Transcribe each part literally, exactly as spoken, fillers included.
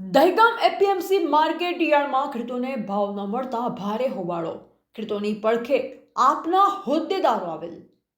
Dehgam APMC market યાર્ડમાં ખેડૂતોને ભાવ ન મળતા ભારે હોબાળો. ખેડૂતોની પડખે આપના હોદ્દેદારો આવેલ.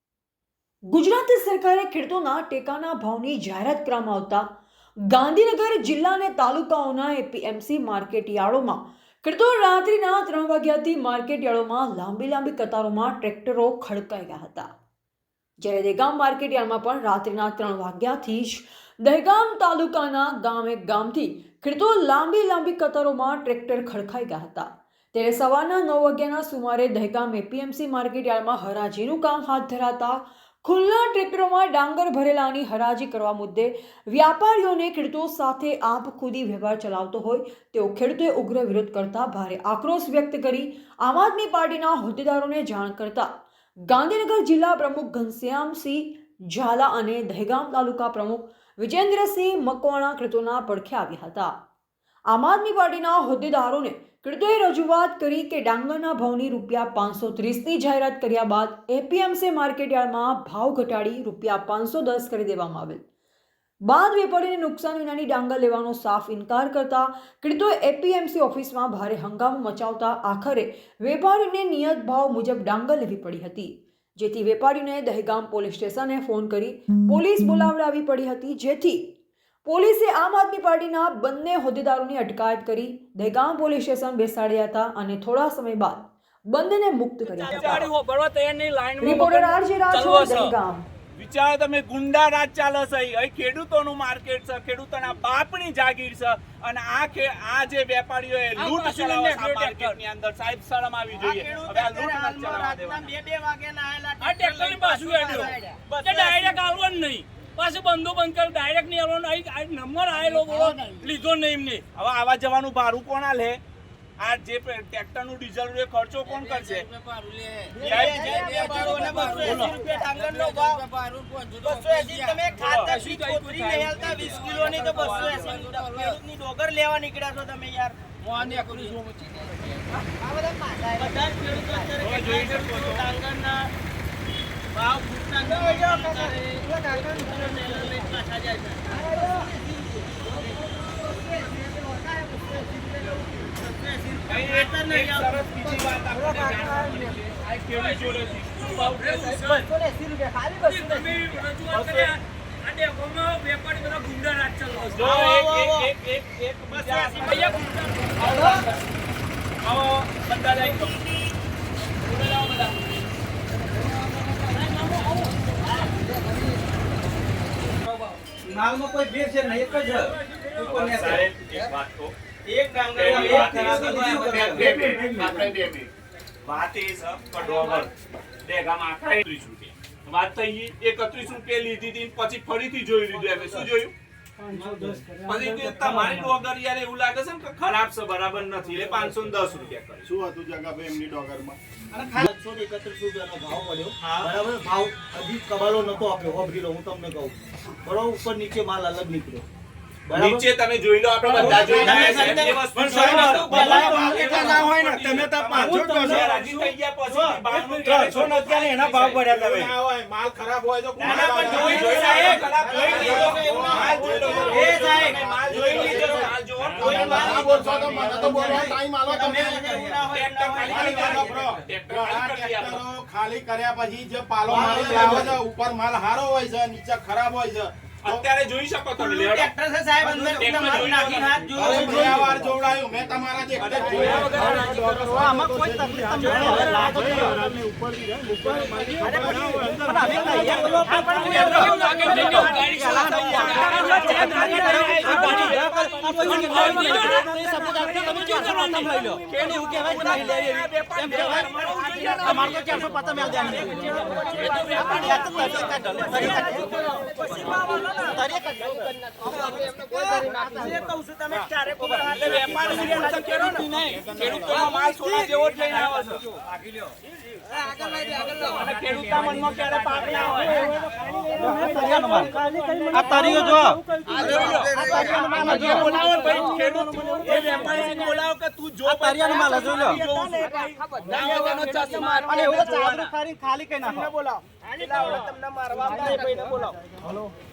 ગુજરાત સરકારે ખેડૂતોના ટેકાના ભાવની જાહેરાત કરવામાં આવતા ગાંધીનગર જિલ્લા અને તાલુકાઓના એપીએમસી માર્કેટ યાર્ડોમાં ખેડૂતો રાત્રિના ત્રણ વાગ્યાથી માર્કેટ યાર્ડોમાં લાંબી લાંબી કતારોમાં ટ્રેક્ટરો ખડકાઈ ગયા હતા. જ્યારે દહેગામ માર્કેટ યાર્ડમાં પણ રાત્રિના ત્રણ વાગ્યાથી જ દહેગામ તાલુકાના ગામે ગામથી ખેડૂતો લાંબી લાંબી કતારોમાં ટ્રેક્ટર ખડકાઈ ગયા હતા. ત્યારે સવારના નવ વાગ્યાના સુમારે દહેગામ એપીએમસી માર્કેટ યાર્ડમાં હરાજીનું કામ હાથ ધરાતા ખુલ્લા ટ્રેક્ટરોમાં ડાંગર ભરેલાની હરાજી કરવા મુદ્દે વ્યાપારીઓને ખેડૂતો સાથે આપ ખુદી વ્યવહાર ચલાવતો હોય તેઓ ખેડૂતોએ ઉગ્ર વિરોધ કરતા ભારે આક્રોશ વ્યક્ત કરી આમ આદમી પાર્ટીના હોદ્દેદારોને જાણ કરતા ગાંધીનગર જિલ્લા પ્રમુખ ઘનશ્યામસિંહ ઝાલા અને દહેગામ તાલુકા પ્રમુખ વિજેન્દ્રસિંહ મકવાણા ખેડૂતોના પડખે આવ્યા હતા. આમ આદમી પાર્ટીના હોદ્દેદારોને ખેડૂતોએ રજૂઆત કરી કે ડાંગરના ભાવની રૂપિયા પાંચસો ત્રીસની જાહેરાત કર્યા બાદ એપીએમસી માર્કેટ યાર્ડમાં ભાવ ઘટાડી રૂપિયા પાંચસો દસ કરી દેવામાં આવેલ. બાદ વેપારીને નુકસાન વિનાની ડાંગર લેવાનો સાફ ઇનકાર કરતા ખેડૂતોએ એપીએમસી ઓફિસમાં ભારે હંગામો મચાવતા આખરે વેપારીને નિયત ભાવ મુજબ ડાંગર લેવી પડી હતી. જેથી વેપારીને દહેગામ પોલીસ સ્ટેશને ફોન કરી પોલીસ બોલાવડાવી પડી હતી. જેથી પોલીસે આમ આદમી પાર્ટીના બંને હોદ્દેદારોની અટકાયત કરી દહેગામ પોલીસ સ્ટેશન બેસાડ્યા હતા અને થોડા સમય બાદ બંનેને મુક્ત કર્યા હતા. Reporter RJ Rathod, Dahegam. વિચારો તમે, ગુંડા રાજ ચાલે છે. અહીં ખેડૂતોનું માર્કેટ છે, ખેડૂતોના બાપની જાગીર છે અને આ આ જે વેપારીઓએ લૂંટ ચલાવે છે માર્કેટની અંદર, સાહેબ શરમ આવી જોઈએ. હવે આ લૂંટ ન ચલાવવા દેવા. બે બે વાગ્યાના આયેલા આ ટ્રેક્ટરની પાછું હેડ્યો બસ ડાયરેક્ટ આવવાનું નહીં, પાછું બંધો બંધ કર, ડાયરેક્ટ નહીં આવવાનું. અહીં નંબર આયેલો બોલો લીધો નહીં એમને. હવે આવા જવાનું ભાડું કોણ આલે? આ જે ટ્રેક્ટર નું ડીઝલ નો ખર્ચો કોણ કરશે? ડોગર લેવા નીકળ્યા છો તમે યાર. માલમાં કોઈ ભેર છે નહીં, એક જ એક વાત તો એક ડાંગર વાત એ છે કડોવર દહેગામ આખા ત્રીસ રૂપિયા વાત થઈ. એકત્રીસ રૂપિયા લીધી હતી પછી ફરીથી જોઈ લીધું. એમ શું જોયું? પછી તમારી ડોગર યાર એવું લાગે છે ને કે ખરાબ છે, બરાબર નથી, એટલે પાંચસો દસ રૂપિયા કરે. શું હતું જગાભાઈ એમની ડોગરમાં? એકસો એકત્રીસ રૂપિયાનો ભાવ પડ્યો. બરાબર, ભાવ હજી કબાલો નતો આપ્યો. હોબરી લો, હું તમને કહું બરોબર. ઉપર નીચે માલ અલગ નીકળ્યો. નીચે તમે જોઈ લો, આપણે બધા જોઈ ના હોય ને તમે તો પાંચસો રાજી થઈ ગયા પછી ત્રણસો નથી એના ભાવ પડ્યા. તમે ના હોય માલ ખરાબ હોય તો માલ જોઈ લીધો, એ સાહેબ માલ જોઈ લીધો, માલ જો કોઈ માલ બોલશો તો મને તો બોલવા ટાઈમ આલો. તમે ખાલી કર્યા પછી જે પાલો મારી લાવે છે, ઉપર માલ હારો હોય છે, નીચે ખરાબ હોય છે. અત્યારે જોઈ શકો તમે ટ્રેક્ટર છે સાહેબ, અંદર માલ નાખી હાથ જો બે વાર જોવડાયું મેં તમારા જે આમાં કોઈ તકલીફ તમને લાગે ઉપર થી જાય ઉપર મારી અરે પણ અમે તૈયાર કરો પણ લાગે જઈને ગાડી ચલાવતા તમે જો તમે લઈ લો કેની હું કહેવાય તમે લઈ લેવી એમ કહેવાય તમાર તો ચારસો પચાસ મેલ જાની એ તો વેપારી આ તો ખાલી કઈ નાખો. બોલાવો તમને મારવા બોલાવો.